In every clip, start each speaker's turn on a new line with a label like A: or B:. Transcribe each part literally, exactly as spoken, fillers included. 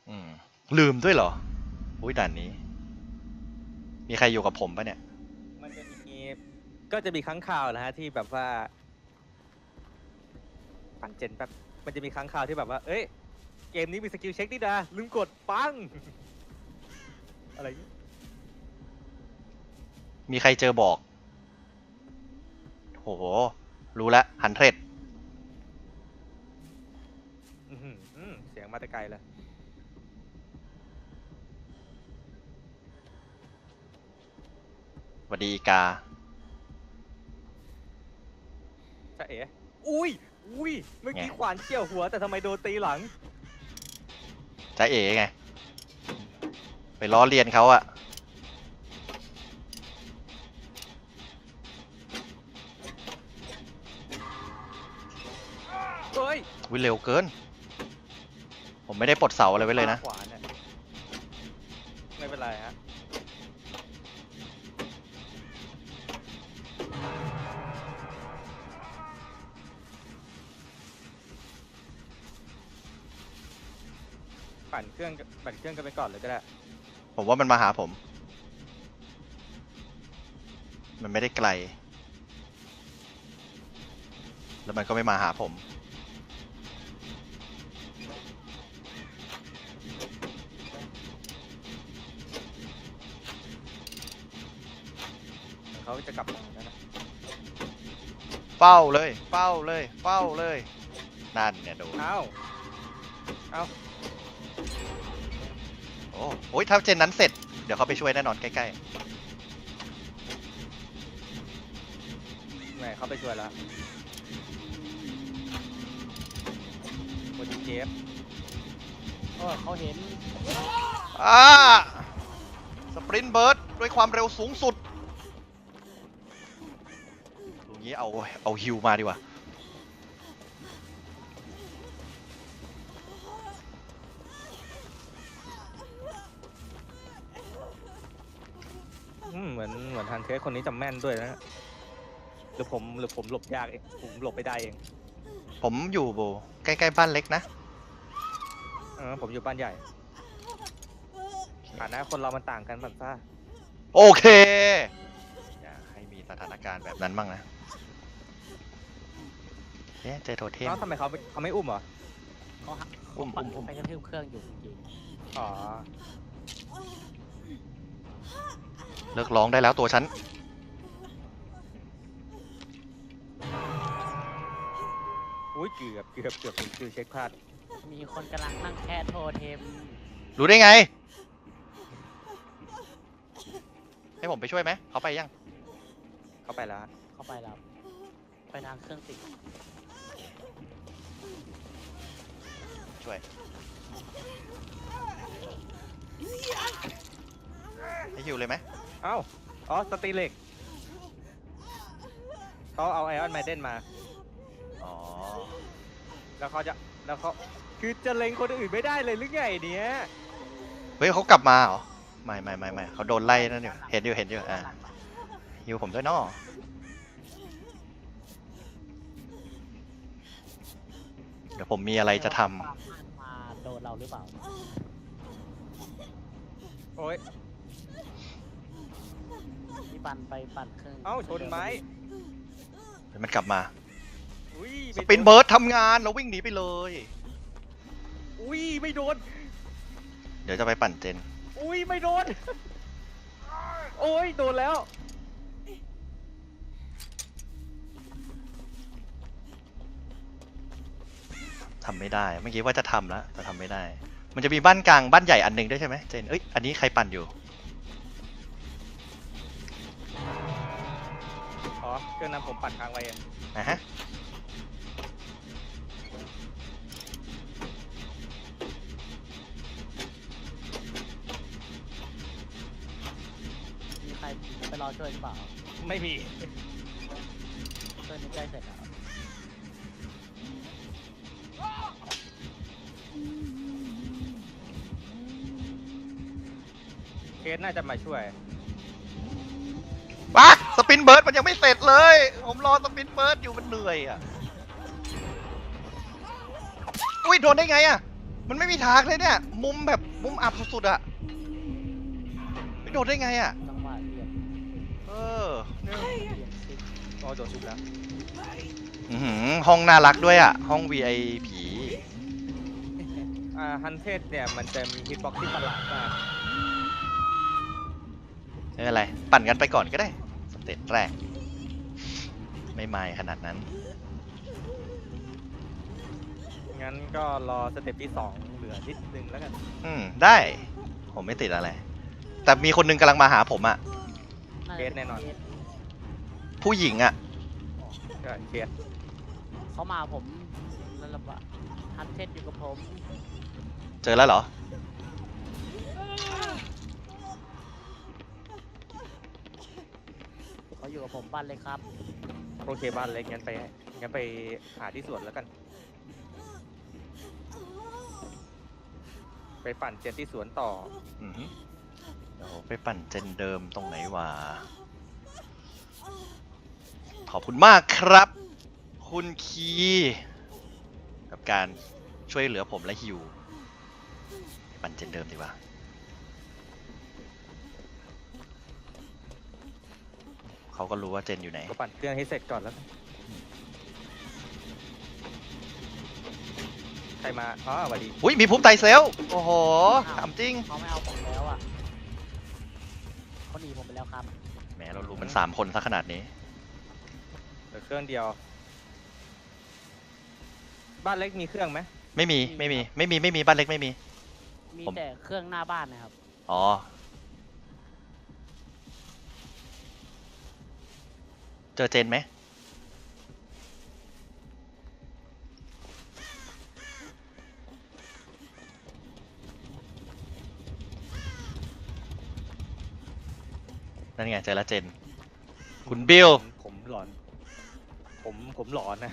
A: อืมลืมด้วยเหรออุ้ยด่านนี้ มีใครอยู่กับผมปะเนี่ย
B: มันจะมีก็จะมีครั้งข่าวนะฮะที่แบบว่าปั่นเจนแบบมันจะมีครั้งข่าวที่แบบว่าเอ้ยเกมนี้มีสกิลเช็คนี่นะลืมกดปังอะไรอย่างงี้
A: มีใครเจอบอกโหรู้ละฮันเทรด
B: อื้อหืออื้อเสียงมาแต่ไกลเลย
A: สวัสดีอีกา
B: จะเอ๋อุ้ยอุ้ยเมื่อกี้
A: ไง
B: ขวานเกี่ยวหัวแต่ทำไมโดนตีหลัง
A: จ้าเอ๋ไง ไปล้อเลียนเขาอะ
B: เฮ้ย
A: วิเร็วเกิน ผมไม่ได้ปลดเสาอะไรไว้เลยนะ
B: ขวานเนี่ยไม่เป็นไรฮะปั่นเครื่องปั่นเครื่องกันไปก่อนเลยก็ได้
A: ผมว่ามันมาหาผม มันไม่ได้ไกล แล้วมันก็ไม่มาหาผม
B: เขาจะกลับมาแล้วนะ
A: เฝ้าเลย เฝ้าเลย เฝ้าเลย นั่นเนี่ยโดน
B: เอ้าเอ้า
A: โอ้โหถ้าเจนนั้นเสร็จ เดี๋ยวเขาไปช่วยแน่นอนใกล้
B: แหมเขาไปช่วยแล้วโมจิเจฟ
C: โอ้เขาเห็น
A: ๆอ่าสปรินต์เบิร์ดด้วยความเร็วสูงสุดตรงนี้เอา เอาฮิวมาดีกว่า
B: อืมเหมือนเหมือนทันเทสคนนี้จำแม่นด้วยนะหรือผมหรือผมหลบยากเองผมหลบไม่ได้เอง
A: ผมอยู่โบใกล้ๆบ้านเล็กนะ
B: เออผมอยู่บ้านใหญ่ฐานะคนเรามันต่างกันแบบซ่า
A: โอเค อย่าให้มีสถานการณ์แบบนั้นบ้างนะเอ๊ะเจอโทเทม
B: แล้วทำไมเขาไม่เขาไม่อุ้มเหรอ
C: เขาหัก
A: อุ้ม
C: ปั่น
A: อุ้ม
C: ไปกระทืบเครื่องอยู่เมื่อกี้
B: อ๋อ
A: เลิกร้องได้แล้วตัวฉัน
B: อุ้ยเกือบเกือบเกือบเกือบเช็คพลาด
C: มีคนกำลังนั่งแค่โทเทม
A: รู้ได้ไง ให้ผมไปช่วยไหม เขาไปยัง
B: เข้าไปแล้วฮะ
C: เข้าไปแล้ว ไปทางเครื่องติด
A: ช่วย ให้ฮิวเลยไหม
B: เอ้าอ๋อสตีเล็กเขาเอาไอออนไมเดนมา
A: อ๋อ
B: แล้วเขาจะแล้วเขาคือจะเล็งคนอื่นไม่ได้เลยหรือไงเนี้ย
A: เฮ้ยเขากลับมาเหรอ ไม่ไม่ไม่ไม่เขาโดนไล่นั่นอยู่ เห็นอยู่ เห็นอยู่ อ่าฮิวผมด้วยเนาะเดี๋ยวผมมีอะไรจะทำ
C: มาโดนเราหรือเปล่า
B: โอ้ย
C: ที่ปั่นไปปั่นเครื่อง
B: เอ้าชนไม้
A: เดี๋ยวมันกลับมา
B: อุ้ย
A: ส
B: ไม่โด
A: ปินเบิร์ดทำงานเราวิ่งหนีไปเลย
B: อุ้ยไม่โดน
A: เดี๋ยวจะไปปั่นเจน
B: อุ้ยไม่โดนโอ้ยโดนแล้ว
A: ทำไม่ได้ เมื่อกี้ว่าจะทำแล้วแต่ทำไม่ได้ มันจะมีบ้านกลางบ้านใหญ่อันหนึ่งด้วยใช่ไหมเจน เอ้ย อันนี้ใครปั่นอยู่
B: อ๋อเครื่องนั้นผมปัดค้างไว้อะ
A: นะฮะ
C: มีใครไปรอช่วยหรือเปล่า
B: ไม่มี
C: เครื่องนี้ใกล้เสร็จแล้ว
B: เคสน่าจะมาช่วย
A: ปักสปินเบิร์ดมันยังไม่เสร็จเลย ผมรอสปินเบิร์ดอยู่มันเหนื่อยอ่ะ อุ้ยโดนได้ไงอ่ะมันไม่มีทางเลยเนี่ย มุมแบบมุมอับสุดๆอะไม่โดดได้ไงอะ
C: จังหวะเหยียบ
A: เออเนี่ย
C: เหยียบซิก
B: อ๋อโดนชุบแล้ว
A: อื้อหือห้องน่ารักด้วยอะห้อง วี ไอ พี
B: อ่าฮันเทสเนี่ยมันจะมีฮิตบ็อกที่ประหลาดมาก
A: ไม่เป็นไร ปั่นกันไปก่อนก็ได้สเตจแรก ไม่ไม่ขนาดนั้น
B: งั้นก็รอสเต็ปที่สองเหลือนิดนึงแล้วกัน
A: อืม ได้ ผมไม่ติดอะไร แต่มีคนหนึงกำลังมาหาผมอะ
C: าจะ
B: เคสแน่นอน
C: เคส
A: ผู้หญิงอะ
B: ก็เคส
C: เขามาผมนั่นแหละว่าฮันเทสอยู่กับผม
A: เจอแล้วเหรอ
C: เขาอยู่กับผมบ้านเลยครับ
B: โอเคบ้านเล็กงั้นไปงั้นไปหาที่สวนแล้วกัน ไปปั่นเจนที่สวนต่อ
A: อือหือเดี๋ยวไปปั่นเจนเดิมตรงไหนวะ ขอบคุณมากครับ คุณคีกับการช่วยเหลือผมและฮิว ปั่นเจนเดิมดีกว่า เขาก็รู้ว่าเจนอยู่ไหน
B: ก็ปั่นเครื่องให้เสร็จก่อนแล้วกันใครมา อ๋อสวัสดี
A: อุ้ยมีภูมิไตเซล โอ้โหถามจริง
C: เขาไม่เอาผมแล้วอ่ะเขาหนีผมไปแล้วครับ
A: แหมเรารู้มันสามคนซะขนาดนี้
B: เหลือเครื่องเดียว บ้านเล็กมีเครื่องไหม
A: ไม่มี ไม่มี ไม่มี ไม่มี บ้านเล็กไม่มี
C: มี
A: ผม
C: แต่เครื่องหน้าบ้านนะครับ
A: อ๋อ เจอเจนไหม นั่นไงเจอแล้วเจน คุณบิล
B: ผมผมหลอน ผมผมหลอนนะ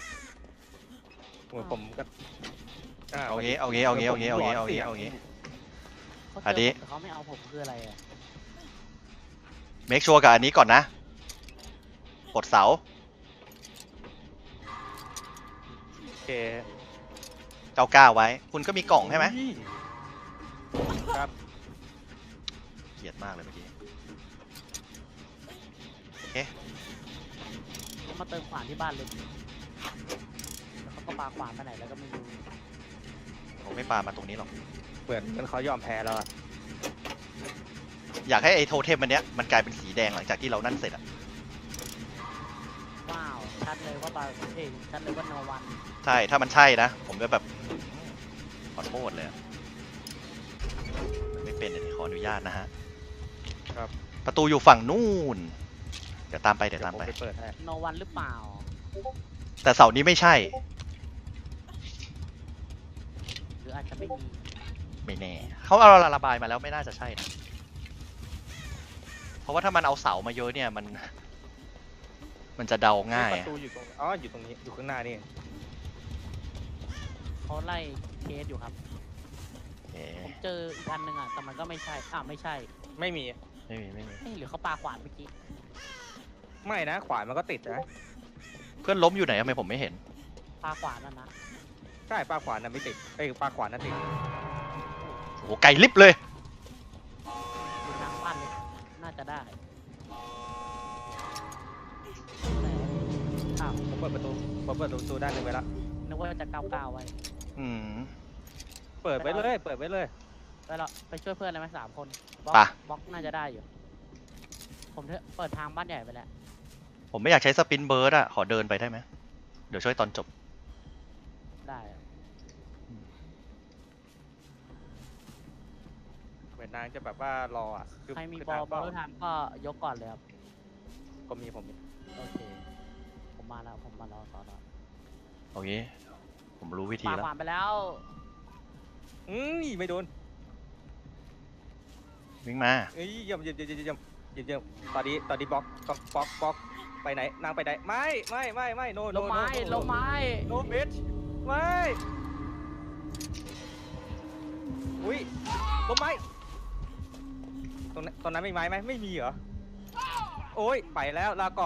B: ผมผมก็า
A: เอางี้ เอางี้ เอางี้ เอางี้ เอางี้ เอางี้ เอางี้
C: เขาเจ
A: อัน
C: อ
A: นี้
C: ผมแต่เขาไม่เอาผมคืออะไรอ่ะ
A: เมคชัวร์กับอันนี้ก่อนนะ กดเสา
B: โอเค
A: เก้าเก้าไว้ คุณก็มีกล่องใช่ไหม
B: ครับ
A: เกลียดมากเลยเมื่อกี้ โอเค
C: เขามาเติมขวานที่บ้านเลยแล้วเขาก็ปาขวานไปไหนแล้วก็ไม่รู้
A: ผมไม่ปามาตรงนี้หรอก
B: เหมือนเหมือนเขายอมแพ้แล้วอะ
A: อยากให้ไอ้โทเทมอันเนี้ยมันกลายเป็นสีแดงหลังจากที่เรานั่นเสร็จอะ
C: ว้าว ชัดเลยว่าบาเอ้ยชัดเลยว่าโนวัน
A: ใช่ ถ้ามันใช่นะ ผมจะแบบขอโทษเลยอะมันไม่เป็นเดี๋ยวขออนุญาตนะฮะ
B: ครับ
A: ประตูอยู่ฝั่งนู่น เดี๋ยวตามไปเดี๋ยวตาม
B: ผม
A: ไป
B: ไปเปิดให้
C: โนวันหรือเปล่า
A: แต่เสาร์นี้ไม่ใช่
C: หรืออาจจะไม่มี
A: ไม่แน่ เขาเอาระบายมาแล้วไม่น่าจะใช่นะ เพราะว่าถ้ามันเอาเสามาเยอะเนี่ยมัน มันจะเดาง่าย
B: ป
A: อะ
B: ระตูอยู่ตรงอ๋ออยู่ตรงนี้อยู่ข้างหน้านี่
C: เขาไล่เคสอยู่ครับ
A: เอ๊ะ
C: ผมเจออีกอันหนึ่งอ่ะ แต่มันก็ไม่ใช่ อ้าวไม่ใช่
B: ไม่มี
A: ไม่มีไม่มี
C: เอ้ยหรือเขาปาขวานเมื่อกี้
B: ไม่นะ ขวานมันก็ติดนะ
A: เพื่อนล้มอยู่ไหนทำไมผมไม่เห็น
C: ปาขวานนั่นนะ
B: ใช่ปลาขวานน่ะไม่ติดเอ้ยปลาขวานน่ะติด
A: โอ้โหไกลลิบเลย
C: อยู่ทางบ้านเลย น่าจะได้อ้าว
B: ผมเปิดประตูผมเปิดประตูด้านหนึงไว้แล้ว
C: นึกว่าจะก้าวก้าวไว้
A: อืม
B: เปิดไว้เลยเปิดไว้เลย
C: ไปเราไปช่วยเพื่อนเลยไหมสามคนบล็อก
A: ไป
C: บล็อกน่าจะได้อยู่ ผมเถอะเปิดทางบ้านใหญ่ไปแล้ว
A: ผมไม่อยากใช้สปินเบิร์ดอะขอเดินไปได้ไหม เดี๋ยวช่วยตอนจบ
C: ได้อะ
B: เหมือนนางจะแบบว่ารออ่ะคือ
C: ใครมี
B: คือบ
C: อล
B: ทาง
C: บอล
B: เป้า
C: ทางก็ยกก่อนเลยครับ
B: ก็มีผมมี
C: โอเค ผมมาแล้ว ผมมารอต่อต่อ
A: โอเค ผมรู้วิธี
C: ปา
A: แล้ว
C: ขวานไปแล้ว
B: อืมไม่โดน
A: วิ่งมา
B: เอ้ยเยี่ยมเยี่ยมเยี่ยมเยี่ยมเยี่ยมเยี่ยมตอนนี้ตอนนี้บล็อกบล็อกบล็อกบล็อกไปไหนนางไปไหนไม่ไม่ไม่ไม่โนโน
C: ลงไม้ลงไม้
B: โนบิชไม่อุ้ยลงไม้ตรงนั้นตรงนั้นไม่ไม้ไหมไม่มีเหรอโอ้ยไปแล้วลาก่อน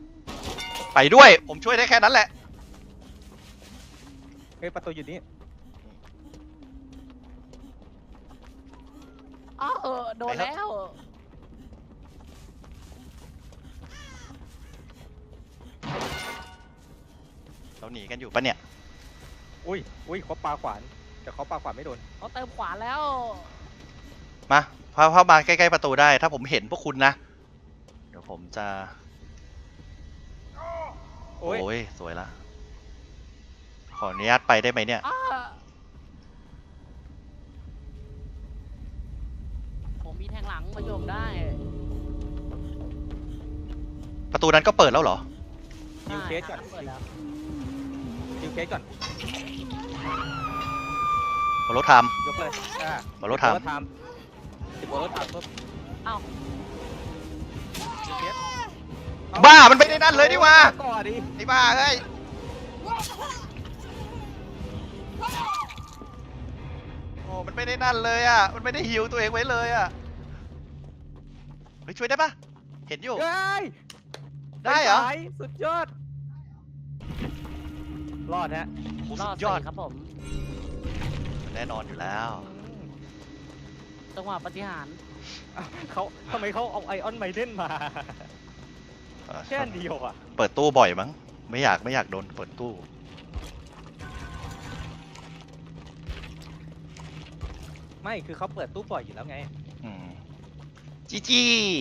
A: ไปด้วย ผมช่วยได้แค่นั้นแหละ
B: เฮ้ยประตูอยู่นี่
C: อ้าวโดนแล้ว
A: เราหนีกันอยู่ปะเนี่ย
B: อุ้ยอุ้ยเขาปาขวานแต่เขาปาขวานไม่โดน
C: เขาเติมขวานแล้ว
A: มาพาเข้ามาใกล้ๆประตูได้ ถ้าผมเห็นพวกคุณนะ เดี๋ยวผมจะ
B: โอ้ย
A: โอ้ยสวยละ ขออนุญาตไปได้ไหมเนี่ย
C: อ้าผมมีแทงหลังมาโยมได้
A: ประตูนั้นก็เปิดแล้วเหรอ
B: ยิวเคสก่อน
C: เปิดแล้ว
B: ยิวเคสก่อน
A: บอลรถท
B: ยกเลยอ่า
A: บอลรถท
B: รถทำติดบอลรถทำปุ๊บ
C: เอ้า
B: ยิวเคส
A: ำบ้ามันไม่ได้นั่นเลยนี่หว่า
B: ก่อนดิ
A: ไอ้บ้าเฮ้ย โอ้มันไม่ได้นั่นเลยอ่ะ มันไม่ได้ฮิวตัวเองไว้เลยอ่ะ เฮ้ยช่วยได้ปะเห็นอยู่
B: เฮ้ย
A: ได้เหรอ
B: ปสายสุดยอด รอดฮะ
A: โอ้
C: ร
A: สุ
C: อด
A: ดยอด
C: สี่ครับผม
A: แน่นอนอยู่แล้ว
C: จังหวะปฏิหารย์
B: อ้าวเขาทำไมเขาเอาไอออนไมเดนมา แค่เดียวอ่ะ
A: เปิดตู้บ่อยมั้ง ไม่อยากไม่อยากโดนเปิดตู้
B: ไม่คือเขาเปิดตู้ปล่อยอยู่แล้วไง
A: อืมจีจี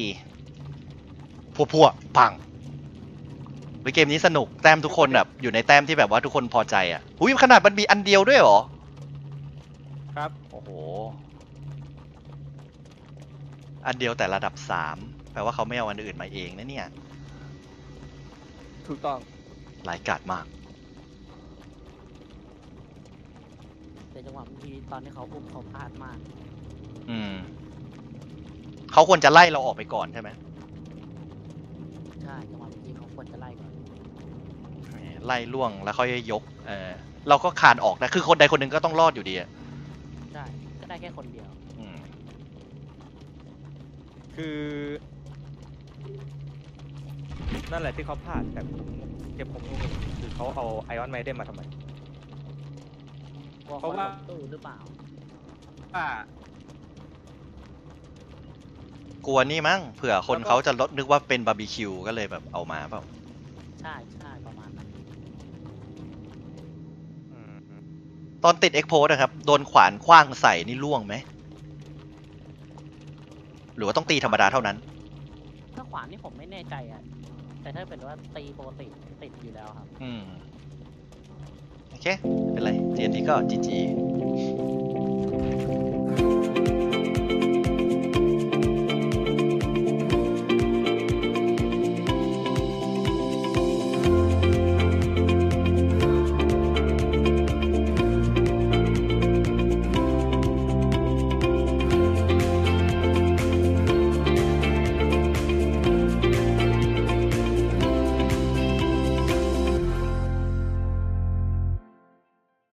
A: พัวพัวๆปังเฮ้ยเกมนี้สนุกแต้มทุกคนแบบอยู่ในแต้มที่แบบว่าทุกคนพอใจอ่ะอุ้ยขนาดมันมีอันเดียวด้วยเหรอ
B: ครับ
A: โอ้โห อันเดียวแต่ระดับสามแปลว่าเขาไม่เอาอันอื่นมาเองนะเนี่ย
B: ถูกต้อง
A: หลายกาดมาก
C: แต่จังหวะบางทีตอนที่เขาอุ้มเขาพลาดมาก
A: อืมเขาควรจะไล่เราออกไปก่อนใช่ไหม
C: ใช่จังหวะบางทีเขาควรจะไล่ก่อน
A: ไล่ล่วงแล้วค่อยยกเออเราก็คานออกนะคือคนใดคนหนึ่งก็ต้องรอดอยู่ดีอะ
C: ใช่ก็ได้แค่คนเดียว
A: อืม
B: คือ นั่นแหละที่เขาพลาดแต่ผมเก็บผมงงคือเขาเอาไอออนไมเดนมาทำไม
C: กลัว
B: เพ
C: เขา
B: ราะว่า
C: หลบตู้หรือเปล่า
B: อ่า
A: กลัวนี่มั้งเผื่อคนเขาจะลดนึกว่าเป็นบาร์บีคิวก็เลยแบบเอามาเปล่า
C: ใช่ใช่ประมาณนั้น
B: อืม
A: ตอนติดเอ็กโพสนะครับโดนขวานคว้างใส่นี่ล่วงไหมหรือว่าต้องตีธรรมดาเท่านั้น
C: ถ้าขวานนี่ผมไม่แน่ใจอ่ะ แต่ถ้าเป็นว่าตีปกติติดอยู่แล้วครับ
A: อืมโอเคไม่เป็นไรเจนนี้ก็จีจี